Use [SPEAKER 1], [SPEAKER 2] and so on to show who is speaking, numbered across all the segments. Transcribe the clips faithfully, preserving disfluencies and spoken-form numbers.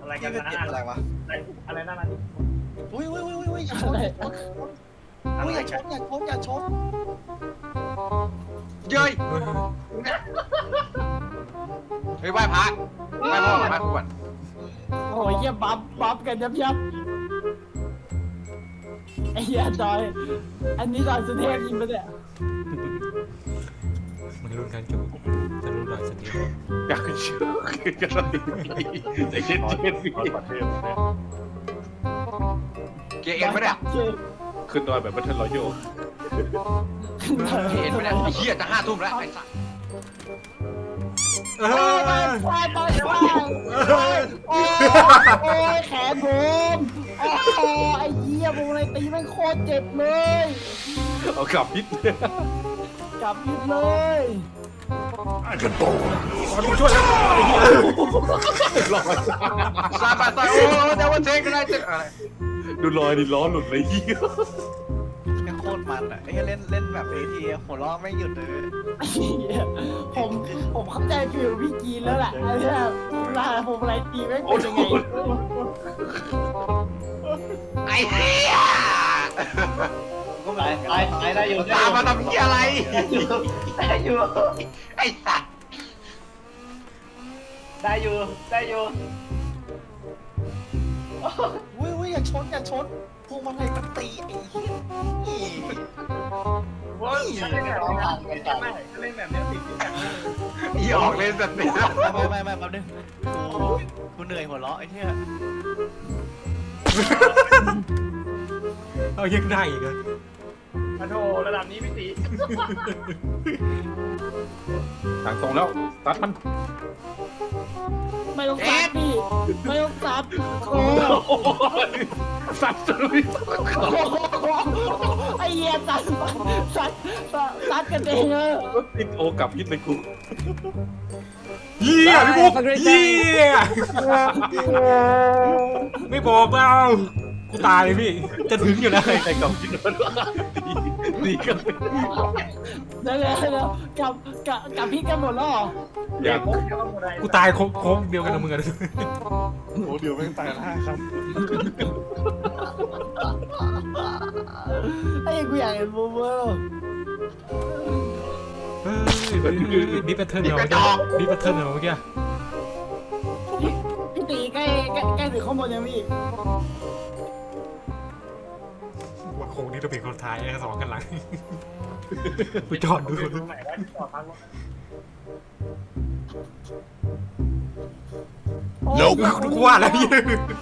[SPEAKER 1] อะไรกันนะ
[SPEAKER 2] อะไรวะ
[SPEAKER 1] อะไรนั่นน่ะ
[SPEAKER 2] อุ้ยอุ้ยอุ้ยอุ้ยอย่าชนอุ้ยอย่าชนอย่าชนอย่าชนเย้ยเฮ้ยไหว้พระไหว้พ่อไหว้ครูก่อน
[SPEAKER 3] โอ้ยเหี้ยบัฟบัฟกันยับยับไอ้เหี้ยดอยอันนี้ดอยสุเทพยิงไปเนี่ย
[SPEAKER 4] มันรุ่นการจูจะรุ่นลอยสติ
[SPEAKER 5] อยากเชื่อคือจะระดิบใจเย็นเย็นพี่
[SPEAKER 2] เกียร์เอ็นไหมเนี่ย
[SPEAKER 5] ขึ้นดอยแบบบัตเทิลรอยัล
[SPEAKER 2] เกียร์เอ็นไหมเนี่ยไอ้เหี้ยจะห้าทุ่มแล้วไอ้สัส
[SPEAKER 4] เอ
[SPEAKER 3] โอ้ย
[SPEAKER 4] อ
[SPEAKER 3] ตายตายตายโอ้ยโอ้ยแขนผมโอ้ไอ้เหี้ยวงในตีแม่งโคตรเจ็บเลย
[SPEAKER 5] เอากลับพิษ
[SPEAKER 3] กลับยิบเลย
[SPEAKER 4] มันกูช่วยแล้วไอ้เหี้ย
[SPEAKER 2] ซาบะซาโอ้เดี๋ยววันเทกันได้จะอะไร
[SPEAKER 5] ดูรอยดิล้อหลุดเลยเหี้ย
[SPEAKER 2] โคตรมันอ่ะไอ้เล่นเล่นแบบเอทีหัวเราะไม่หยุดเลย
[SPEAKER 3] ไอ้เหี้ยผมผมเข้าใจฟิลพี่กีนแล้วแหละไอ้เหี้ยเวลาผมอะไรตีแม่งเป็นยังไง
[SPEAKER 2] ไอ้เหี้ย
[SPEAKER 1] ก็ไปไปไปได้อยู่
[SPEAKER 2] ตามมาทำเหี้ยอะไรได้อยู่ไอ้สัส
[SPEAKER 1] ได้อยู่ได้อยู่
[SPEAKER 2] อุ้ยอุ้ยอย่าชนอย่าชนพวงมาลัยมันตีไอ้เหี้ย
[SPEAKER 1] ว้าวเล่นแบบนี้นะไม่เล่นแบบนี้ติดที่แบบ
[SPEAKER 2] อีออกเล่นแบบนี้ไม่ไม่ไม่แป๊บนึงกูกูเหนื่อยหัวเราะไอ้เหี้ย
[SPEAKER 4] เอายังได้อีกเหรอ
[SPEAKER 1] มาโถระดับนี้พี่ตี
[SPEAKER 5] ทางตรงแล้วตัดมัน
[SPEAKER 3] ไม่ต้องซัดพี่ไม่ต้องซัดโอ้
[SPEAKER 5] สัตว์เลย
[SPEAKER 3] ไอ้เหี้ยซัดซัดซัดซัดกันเองเออ
[SPEAKER 5] ติดโอกลับพิษเลยกู
[SPEAKER 4] เหี้ยพี่บุ๊กเหี้ยไม่บอกเรากูตายเลยพี่จะถึงอยู่แล้ว
[SPEAKER 5] ใครใครกลับพิษมันดีดีกัน
[SPEAKER 3] เดี๋ยวเดี๋ยวเดี๋ยวกับกับกับพี่กันหมดแล้วเหรอ
[SPEAKER 5] อยาก
[SPEAKER 4] กูตายโค้งเดียวกันกับมึงอะ
[SPEAKER 5] โอ้เดี๋ยวแม่งตายห้าครับ
[SPEAKER 3] ไอ้กูอยากเห็นบูมเบอร์
[SPEAKER 4] เฮ้ยดิปแพทเทิร์นเหรอดิปแพทเทิร์นเหรอเมื่อกี้
[SPEAKER 3] พี่ตีใกล้ใกล้ใกล้ถึงข้างบนยังพี่
[SPEAKER 4] ว่าโค้งนี้ต้องเป็นคนท้ายสองกันหลังกูจอดดู
[SPEAKER 1] ตรงไหนได้จอดพักรถ
[SPEAKER 4] กูว่าแล้วพี่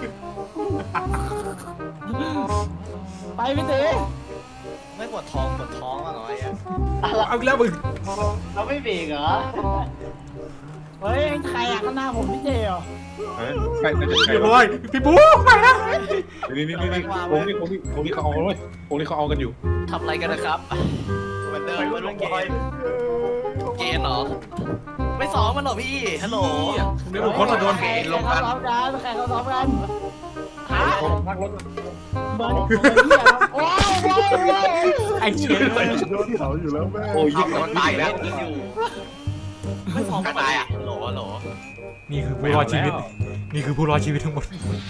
[SPEAKER 3] ไปพี่ตี
[SPEAKER 2] ไม่ปวดท้องปวดท้องอ่ะไอ้อะ
[SPEAKER 4] เอาแล้วมึง
[SPEAKER 1] เราไม่เบรกเหรอ
[SPEAKER 3] เฮ้ยใครอ่ะข้างหน้าผมพี่เจเหรอ
[SPEAKER 5] ใครน่าจะใช่
[SPEAKER 4] เรียบร้อยพี่บุ๊กไปนะ
[SPEAKER 5] นี่นี่นี่นี่โค้งนี่โค้งนี่โค้งนี่เขาเอาเลยโค้งนี่เขาเอากันอยู่
[SPEAKER 2] ทำอะไรกันนะครับเหมือนเดิม
[SPEAKER 1] ไป
[SPEAKER 2] เหมือน
[SPEAKER 1] ล
[SPEAKER 2] เมื่
[SPEAKER 1] ง
[SPEAKER 2] อ
[SPEAKER 1] ไป
[SPEAKER 2] กี้เกณฑ์เหรอไม่ซ้อมมันเหรอพี่ฮัลโหล
[SPEAKER 4] เดี๋ยวคนมาโดน
[SPEAKER 3] ใครเขาซ้อมกันใครเขาซ้อมกันฮะ
[SPEAKER 1] พักรถ
[SPEAKER 3] เบอร์เบอร์ที่อ่ะโอ้ยโอ้ยโอ้ย
[SPEAKER 4] ไอ้เชี่ย
[SPEAKER 5] โดนเขาอยู่แล้วแม่โอ้ย
[SPEAKER 2] เอามันตายแล้วไม่ซ้อมกันตายอ่ะฮัลโหลฮัลโหล
[SPEAKER 4] นี่คือผู้รอดชีวิตนี่คือผู้รอดชีวิตทั้งหมด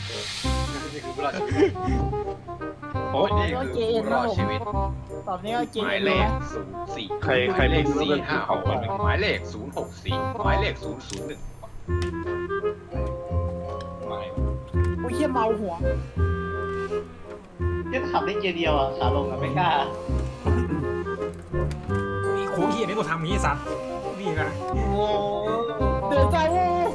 [SPEAKER 5] โอ้ย
[SPEAKER 3] ก็เกณฑ์
[SPEAKER 2] ร
[SPEAKER 3] นะ
[SPEAKER 2] อด
[SPEAKER 3] ผม
[SPEAKER 2] ชีวิต
[SPEAKER 3] ตอบนี้ก็เก
[SPEAKER 2] ห
[SPEAKER 3] ณ
[SPEAKER 2] มาย
[SPEAKER 3] ฑ์
[SPEAKER 2] เล
[SPEAKER 3] เลย
[SPEAKER 2] ข
[SPEAKER 3] นะ
[SPEAKER 2] ศูนย์สี่
[SPEAKER 5] ใครใคร
[SPEAKER 2] เล
[SPEAKER 5] ไม่
[SPEAKER 2] ข
[SPEAKER 5] รู้
[SPEAKER 2] สี่
[SPEAKER 5] เรื่อง
[SPEAKER 2] ห้าห
[SPEAKER 5] เขา
[SPEAKER 2] ก
[SPEAKER 5] อ่ะ
[SPEAKER 2] หมายเลขศูนย์หกสี่หมายเลขศูนย์ศูนย์หนึ่ง
[SPEAKER 3] โอ้ยเฮียเมาหัว
[SPEAKER 1] ที่ขับได้เกียร์เดียวอ่ะขาลงอ่ะไม่กล้า
[SPEAKER 4] นี่โค้งเหี้ยนี่กูทำอย่างนี้สัตว์นี่ไง
[SPEAKER 3] โอ้เดือดใจวู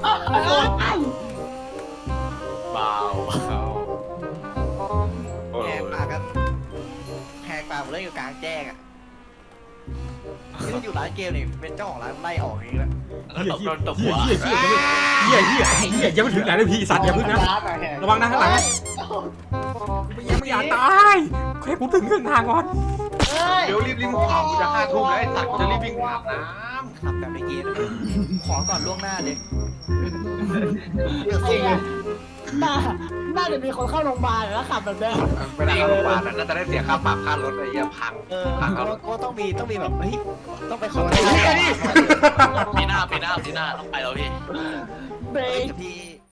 [SPEAKER 2] เบาเบา
[SPEAKER 5] โอ้
[SPEAKER 2] แห
[SPEAKER 5] ย
[SPEAKER 2] กปากกันแหกปากหมดเลยอยู่กลางแจ้งอ่ะที่มันอยู่ร้านเกมนี่เป็นเจ้าของร้านไล่ออกเองแล้ว
[SPEAKER 4] เหี้ยเหี้ยเหี้ยเหี้ยเหี้ยเหี้ยยังไม่ถึงไหนเลยพี่สัตว์อย่าพึ่งนะระวังนะข้างหลังยังไม่อยากตายแค่กูถึงครึ่งทางก่อน
[SPEAKER 2] เดี๋ยวรีบรีบขับกูจะห้าทุ่มแล้วไอ้สัตว์กูจะรีบวิ่งอาบน้ำขับแบบในเกมนะขอก่อนล่วงหน้าเลย
[SPEAKER 3] ไอ้เหี้ยน่าน่าจะมีคนเข้าโรงพยาบาลแล้วขับแบบนี้
[SPEAKER 2] เวลาเข้าโรงพยาบาลน่าจะได้เสียค่าปรับค่ารถอะไรเงี้ยพังเออพังก็ต้องมีต้องมีแบบเฮ้ยต้องไปขอโทษ
[SPEAKER 6] ปีหน้าปีหน้าปีหน้าต้องไปแล้วพี่
[SPEAKER 3] เบรก
[SPEAKER 2] พี่